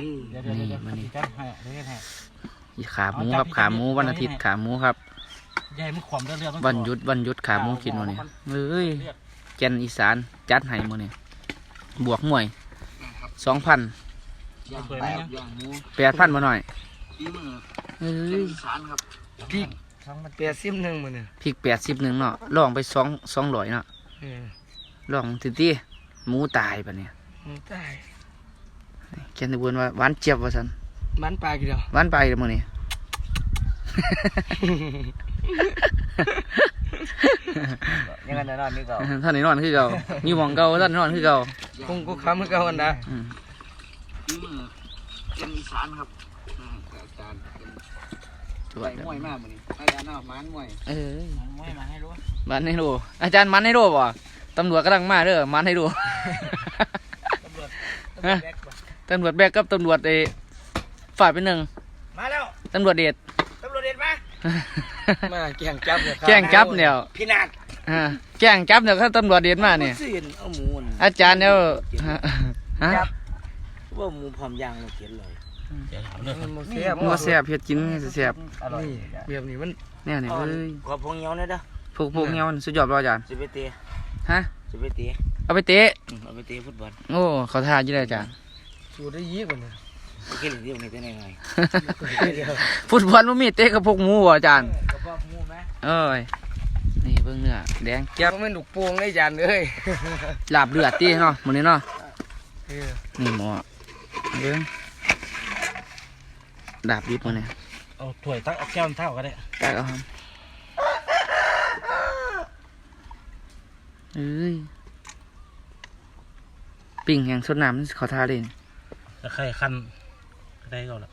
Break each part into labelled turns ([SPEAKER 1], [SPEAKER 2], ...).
[SPEAKER 1] นี่มันนี่
[SPEAKER 2] จัดให้เล่นให้
[SPEAKER 1] ขาหมูครับขาหมูวันอาทิตย์ขาหมูครับ
[SPEAKER 2] ใหญ่มันขวมเรื่อยๆ
[SPEAKER 1] วันหยุดขาหมูกินวันนี้เฮ้ยแกนอีสานจัดให้มื้อนี้บวกหน่วย 2,000 8,000มาหน่อยเฮ้ย
[SPEAKER 3] พี่81มื้อนี่
[SPEAKER 1] พริก81เนาะลองไป200เนาะลองติหมูตายปะเนี่ย
[SPEAKER 3] ตาย
[SPEAKER 1] แกนตะบวนว่าหวานเจี๊ยบว่าซั่น
[SPEAKER 3] มันปลากี่ดอก
[SPEAKER 1] หวานไปเด้อมื้อนี้
[SPEAKER 3] ยังไงนอนนี่เก่า
[SPEAKER 1] ท่านนี่นอนคือเก่าอยู่หม่องเก่าท่านนอนคือเก่า
[SPEAKER 3] คงกูค้ำคือเก่าอันนะ
[SPEAKER 4] เป็นอีสานครับอาจารย์เป็นไปมวยมากมื้อนี้อาจารย์เอาหมานมวย
[SPEAKER 2] ไม่มาให้รู้
[SPEAKER 1] มันให้ดูอาจารย์มันให้ดูบ่ตำรวจกำลังมาเด้อมันให้ดู ตำรวจแบกกับตำรวจฝ่ายเป็นหนึ่ง
[SPEAKER 3] มาแล้ว
[SPEAKER 1] ตำรวจเด็ด
[SPEAKER 3] ตำรวจเด็ดมามาแกงจับเนี่ย
[SPEAKER 1] แกล้งจับเนี่ย
[SPEAKER 3] พี่นาด
[SPEAKER 1] แกล้งจับเนี่ยเขาตำรวจเด็ดมาเนี่ย
[SPEAKER 3] ซื่นเอาหมูน
[SPEAKER 1] อาจารย์เนี่ยฮะ
[SPEAKER 3] จับว่าหมูพร้อมย่างเราเขียนเลย
[SPEAKER 1] มันเสียบเผ็ดกินเสียบ
[SPEAKER 3] อร่อยแบบนี้มัน
[SPEAKER 1] เนี่ยนี่เอ้ย
[SPEAKER 3] ขอพงเงี้ยวนะเด้อ
[SPEAKER 1] พวกเงี้ยมันสุดยอดป่ะอาจารย์
[SPEAKER 3] สิไปเตะ
[SPEAKER 1] ฮะ
[SPEAKER 3] สิไปเตะ
[SPEAKER 1] เอาไปเตะ
[SPEAKER 3] เอาไปเตะฟุตบอล
[SPEAKER 1] โอ้เขาทาอยู่เลยอาจารย์
[SPEAKER 3] สูดได้ยี่กว่านี้กินเดียวนี่เป็นยังไง
[SPEAKER 1] ฟุตบอลมันมีเตะกับพวกหมูบ่อาจารย์
[SPEAKER 3] กระเพาะหมูไหม
[SPEAKER 1] เอ้ยนี่เบิ่งเนื้อแดงเจี๊ยบ
[SPEAKER 3] ก็ไม่หนุกปวงเลยจานเลย
[SPEAKER 1] ลาบเลือดตีเนาะมื้อนี้เนาะนี่หมอเบิ่งดาบดิบมื้อนี้
[SPEAKER 2] เอาถ้วยตั้งเอาแก้วเท่าก็ได้
[SPEAKER 1] ตักเอาครับเอ้ยปิ่งแห่งสดน้ำนี่ขอทาเลย
[SPEAKER 2] จะใครคันก็ได้ก็แล้ว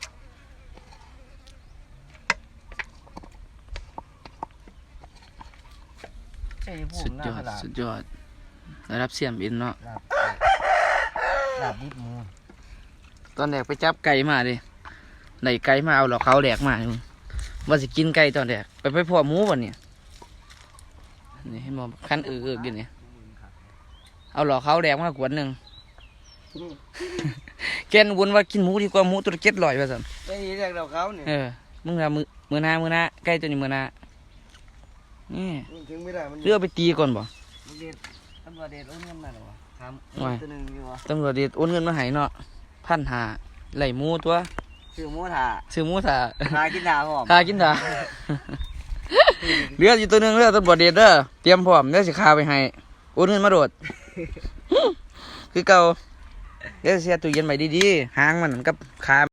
[SPEAKER 1] สุดยอดสุดยอดระดับเสียมอินเนาะ
[SPEAKER 3] ลาบดิบหมู
[SPEAKER 1] ตอนแรกไปจับไก่มาดิไหนไก่มาเอาหลอกเขาแดกมามึงว่าสิกินไก่ตอนแรกไปพ่อหมูวันเนี่ยนี่ให้มองขั้นอยู่เนี่ยเอาหลอกเขาแดกมากวนหนึ่ง แกนวนว่ากินหมูดีกว่าหมูตัวละ700ว่าสั่น
[SPEAKER 3] ได้ยินจากเราเขาเนี่ย
[SPEAKER 1] มึงอะมือหน้าใกล้ตัวนี้มือหน้านี่
[SPEAKER 3] ถึงไม่ได้มัน
[SPEAKER 1] เลือกไปตีก่อนบ่
[SPEAKER 3] เด็ดตำรวจเด็ดเอาเงินมาหรอวะครับตัวหนึ่งอยู่วะ
[SPEAKER 1] ตำรวจเด็ดโอนเงินมาให้เนาะ1,500ไหลหมูตัว
[SPEAKER 3] ซื้อหมูถ่า
[SPEAKER 1] ซื้อหมูถ่า
[SPEAKER 3] หากินถ่าหอม
[SPEAKER 1] คากินถ่า เหลืออยู่ตัวหนึงเลือตำรวจเด็ดเด้อเตรียมพร้อมเดี๋ยวสิคาไปให้โอนเงินมาโดด คือเก่าเดี๋ยวเสียตู้เย็นไว้ดีๆหางมันกับคา